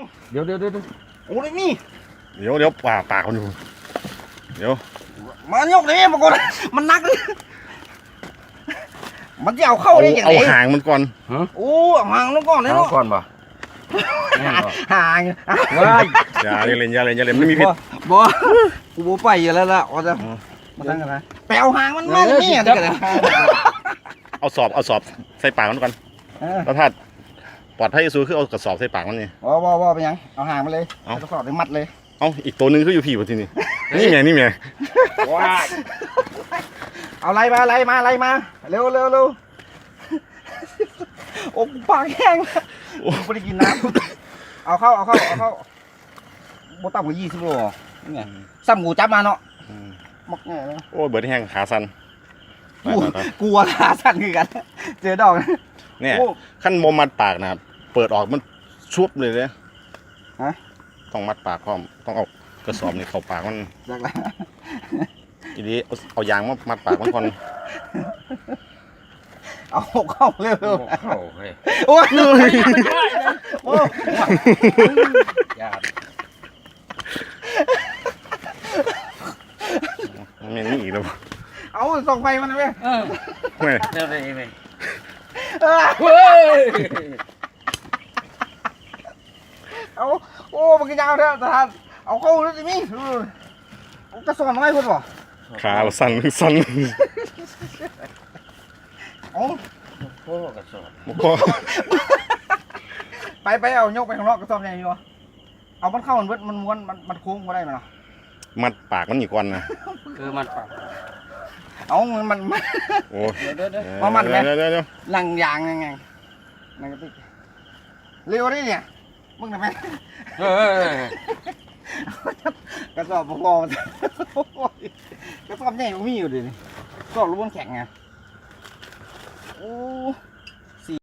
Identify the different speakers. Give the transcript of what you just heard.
Speaker 1: เดี๋ยวโอ้ยนี่
Speaker 2: เดี๋ยวปากมันอยู่เดี๋ยว
Speaker 1: มายกนี่มาก่อนมันนักเลยมันจะเอาเข้าได้ยังไง
Speaker 2: เอาหางมันก่อน
Speaker 1: โอ้หางมันก่อนเลยเนาะ
Speaker 3: ก่อนป่ะ
Speaker 1: หาง
Speaker 2: อย่าเล่นไม่มีพิษ
Speaker 1: บ่กูบ่ไปอยู่แล้วล่ะอ๋อจะมาตั้งกันนะไปเอาหางมันมานี่อ่ะ
Speaker 2: เอาสอบใส่ปากมันก่อนแล้วถ้าปลอดภัยที่สุดคือเอากระสอบใส่ปากมันนี่
Speaker 1: ว่าไปยังเอาหางมาเลยเอากระสอบไปมัดเลย
Speaker 2: เอาอีกตัวนึงคืออยู่พี่บนที่นี่นี่ไง
Speaker 1: ว้าเอาไล่มาเร็วโอ้ปากแห้งโอ้ไม่ได้กินน้ำเอาเข้าโบต่ำกว่า20 โลนี่ไงซ้ำกูจับมาเนาะมักแง่เลย
Speaker 2: โอ้เบิร์ดแห้งขาสั่น
Speaker 1: กลัวขาสั่นคือกันเจอดอก
Speaker 2: เนี่ยขั้นโมมัดปากนะเปิดออกมันชุบเลยเนี่ยต้องมัดปากพร้อมต้องเอากระสอบนี่เข้าปากมันทีนี้เอายางมามัดปากมันก่อน
Speaker 1: เอาเข้าเร็ว
Speaker 3: เข้าเฮ้ย
Speaker 1: โอ้ยโอ้ยาด
Speaker 2: ไม่นี่อีกแล้ว
Speaker 1: เอาส่องไฟมันไป
Speaker 2: ไม่
Speaker 3: เดี๋ยวได้ไหม
Speaker 1: เฮ้ยเอาโอ้มันก็ยาวแล้วแต่ท่านเอาเข้าแล้วสิมี่จะสอนอะไรคุณบ่
Speaker 2: ขาสั่น
Speaker 1: เอา
Speaker 3: โอ้กระสอบ
Speaker 1: ไปเอายกไปข้างนอกกระสอบใหญ่อยู่เอามันเข้ามันเวิร์ดมันม้วนมันโค้งมาได้ไหมล่ะ
Speaker 2: มัดปากมันอีกวันนะ
Speaker 3: มัดปาก
Speaker 1: เอามัน
Speaker 2: โอ้
Speaker 1: มามัดไหม
Speaker 2: เดี๋ยว
Speaker 1: นั่งยางยังไงนั่งกระติกเร็วดิเนี่ยมึงทำไมกระสอบพอกระสอบใหญ่มันมีอยู่ดิกระสอบรูปมันแข็งไงโอ้